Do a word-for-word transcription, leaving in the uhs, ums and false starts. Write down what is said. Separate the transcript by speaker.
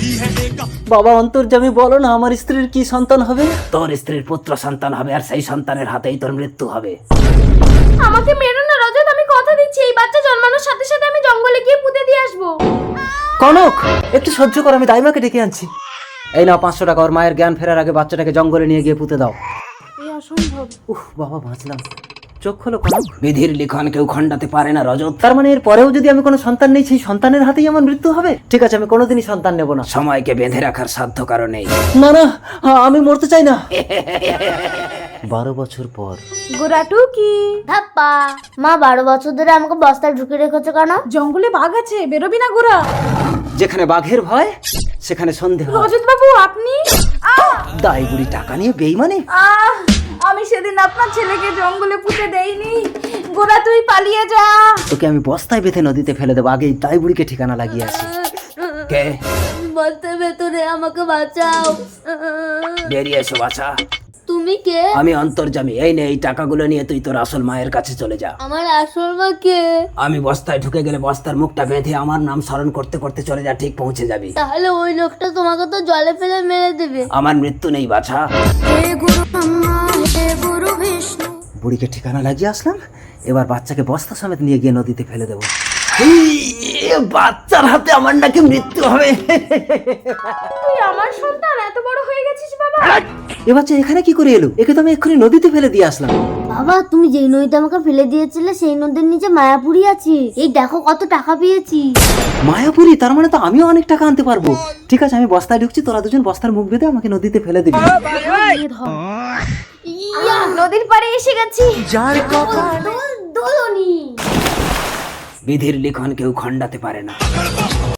Speaker 1: বাবা অন্তর্যামী, বলো না আমার স্ত্রীর কি সন্তান হবে? তোর স্ত্রীর পুত্র সন্তান হবে, আর সেই সন্তানের হাতেই তোর মৃত্যু হবে।
Speaker 2: আমাকে মেরো না রজত, আমি কথা দিচ্ছি এই বাচ্চা জন্মানোর সাথে সাথে আমি জঙ্গলে গিয়ে পুঁতে দিয়ে আসবো।
Speaker 1: কনক, একটু সহ্য কর, আমি দাইমাকে ডেকে আনছি। এই নাও পাঁচশো টাকা, ওর মায়ের জ্ঞান ফেরার আগে বাচ্চাটাকে জঙ্গলে নিয়ে গিয়ে পুঁতে দাও।
Speaker 2: এই অসম্ভব।
Speaker 1: উহ বাবা, বাঁচলাম। চোখ খোলো কনক। বিধির লিখন কেউ খণ্ডাতে পারে না রজত। তার মানে এর পরেও যদি আমি কোনো সন্তান নেই, সেই সন্তানের হাতেই আমার মৃত্যু হবে? ঠিক আছে, আমি কোনোদিনই সন্তান নেব না। সময়কে বেঁধে রাখার সাধ্য কারো নেই। না না, আমি মরতে চাই না। বারো বছর পর।
Speaker 2: গোরাটু কি
Speaker 3: ধাপ্পা। মা বারো বছর ধরে আমাকে বস্তায় ঢুকে রেখেছো কেন?
Speaker 2: জঙ্গলে বাঘ আছে, বেরোবি না গোরা।
Speaker 1: যেখানে বাঘের ভয় সেখানে সন্দেহ।
Speaker 2: রজত বাবু আপনি?
Speaker 1: দাই বুড়ি টাকা নিয়ে বেইমানি।
Speaker 2: আহ আমি সেদিন আপনার ছেলেকে জঙ্গলে পুঁতে দেইনি। গোরা তুই পালিয়ে যা।
Speaker 1: তোকে আমি বস্তায় বেঁধে নদীতে ফেলে দেবো, আগেই দাই বুড়িকে ঠিকানা লাগিয়ে আসি। কে?
Speaker 3: বস্তার ভেতরে, আমাকে বাঁচাও।
Speaker 1: বেরিয়ে এসো বাছা।
Speaker 3: তুমি কে?
Speaker 1: আমি অন্তর্যামী। এই নে, এই টাকাগুলো নিয়ে তুই তোর আসল মায়ের কাছে চলে যা।
Speaker 3: আমার আসল মা কে?
Speaker 1: আমি বস্তায় ঢুকে গেলে বস্তার মুখটা বেঁধে আমার নাম স্মরণ করতে করতে চলে যা, ঠিক পৌঁছে যাবি।
Speaker 3: তাহলে ওই লোকটা তোমাকে তো জলে ফেলে মেরে দেবে।
Speaker 1: আমার মৃত্যু নেই বাছা। বুড়িকে ঠিকানা লাগিয়ে আসলাম, এবার বাচ্চাকে বস্তা সমেত নিয়ে গিয়ে নদীতে ফেলে দেবো। বাচ্চার হাতে আমার নাকি মৃত্যু হবে।
Speaker 2: তুই আমার সন্তান এত বড় হয়ে গেছিস বাবা।
Speaker 1: এ বাচ্চা এখানে কি করে এলো? একে তো আমি এক্ষুনি নদীতে ফেলে দিয়ে আসলাম।
Speaker 3: বাবা, তুমি যেই নদীতে আমাকে ফেলে দিয়েছিলে সেই নদীর নিচে মায়াপুরি আছে। এই দেখো কত টাকা পেয়েছি।
Speaker 1: মায়াপুরি? তার মানে তো আমিও অনেক টাকা আনতে পারবো। ঠিক আছে, আমি বস্তায় ঢুকছি, তোরা দুজন বস্তার মুখ বেঁধে আমাকে নদীতে ফেলে দিবি।
Speaker 2: ইয়া, নদীর পাড়ে এসে গেছি।
Speaker 3: দোলনি।
Speaker 1: বিধির লিখন কেউ খণ্ডাতে পারে না।